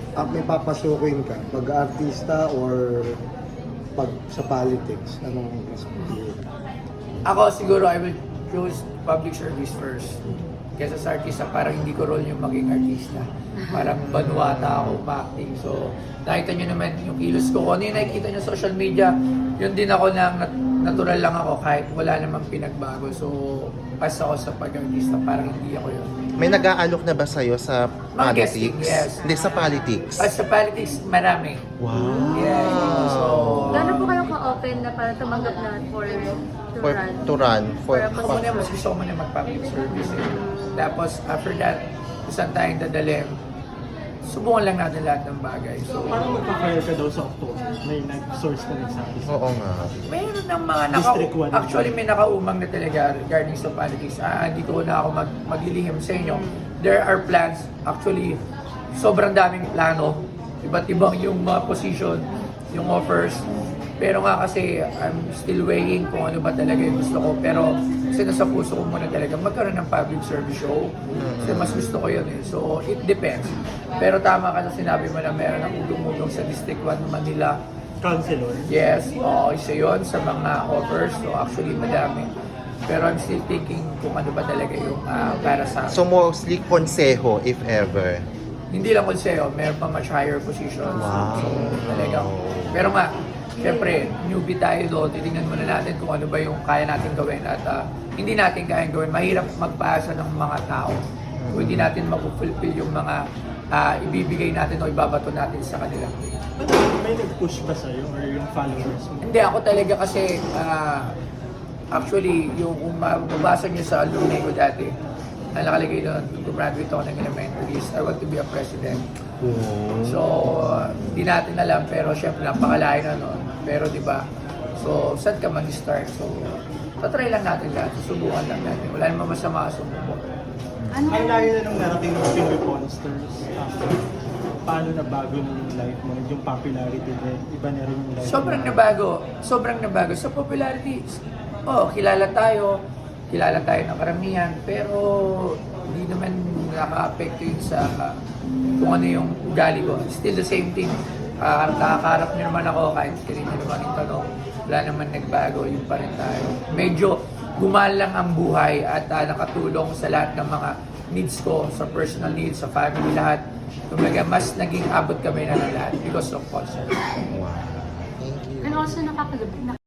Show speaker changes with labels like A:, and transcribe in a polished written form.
A: may papasukin ka, pag-artista or pag sa politics, anong mas pinili?
B: Ako siguro I will choose public service first. Kesa sa artista, parang hindi ko role yung maging artista. Parang banuata ako ma-acting. So, nakita nyo naman yung kilos ko. Kung ano yung nakikita nyo sa social media, yun din ako na natural lang ako kahit wala namang pinagbago. So, pas ako sa pag-artista, parang hindi ako yun.
C: May nag-aalok na ba sa'yo sa
B: Mga
C: politics?
B: guesting, yes.
C: Hindi, sa politics.
B: At sa politics, marami.
C: Wow!
B: Yeah, so,
D: Gano'n po kayo ka-open na para tumanggap na to
C: For,
D: run?
C: to run. For,
B: ako muna, mas gusto ko muna mag-public service. Tapos, after that, isang tayong dadalhin, subukan lang natin lahat ng bagay. So,
E: Parang magpa-fire ka daw sa October. May source ka nagsabi sa
C: Oo nga.
B: mayroon ng mga
E: District one.
B: actually may nakaumang na talaga regarding sa politics. Hindi ko na ako maglilihim sa inyo. There are plans. Actually, sobrang daming plano. Iba't ibang yung mga position, yung offers. Pero nga kasi I'm still weighing kung ano ba talaga yung gusto ko. Pero kasi nasa puso ko muna talaga magkaroon ng public service show. Kasi mas gusto ko yun eh. So it depends. Pero tama ka na sinabi mo na meron ng udong-udong sa District 1 Manila.
E: Councilor.
B: Yes, isa yun sa mga offers. So actually madami. Pero I'm still thinking kung ano ba talaga yung para sa
C: So mostly konseho, if ever.
B: hindi lang konseyo, meron pa much higher positions.
C: Wow.
B: So talagang, pero nga, syempre, newbie tayo doon, titingnan muna natin kung ano ba yung kaya natin gawin at hindi natin kayang gawin. Mahirap magpaasa ng mga tao kung hindi natin mag-fulfill yung mga ibibigay natin o ibabato natin sa kanila.
E: May nag-push ba sa'yo or yung followers mo?
B: Hindi, ako talaga kasi, actually, yung kung mababasa nyo sa alumni ko dati, na nakalagay doon, nung graduate ako ng elementary, is I want to be a president. So, hindi natin alam, pero syempre, napakalayo na noon. Pero di ba, so, saan ka mag-start? So, tatry lang natin lahat, susubukan lang natin. Wala namang masama sumubok.
D: Ano
E: Ang layo na nung narating ng Pinoy Monsters. Paano na bago na yung life mo? Yung popularity din, iba na rin yung life
B: Sobrang
E: mo.
B: nabago. Sa popularity, kilala tayo ng karamihan, pero hindi naman nakaka-apekto yun sa kung ano yung ugali ko. Still the same thing. Nakakaharap niyo naman ako kahit hindi niyo naman yung tanong. Wala naman nagbago, yun pa rin tayo. Medyo gumalang ang buhay at nakatulong sa lahat ng mga needs ko, sa personal needs, sa family, lahat. Kumbaga, mas naging abot kami na ng lahat because of concert.
C: Wow. Thank you.
D: And also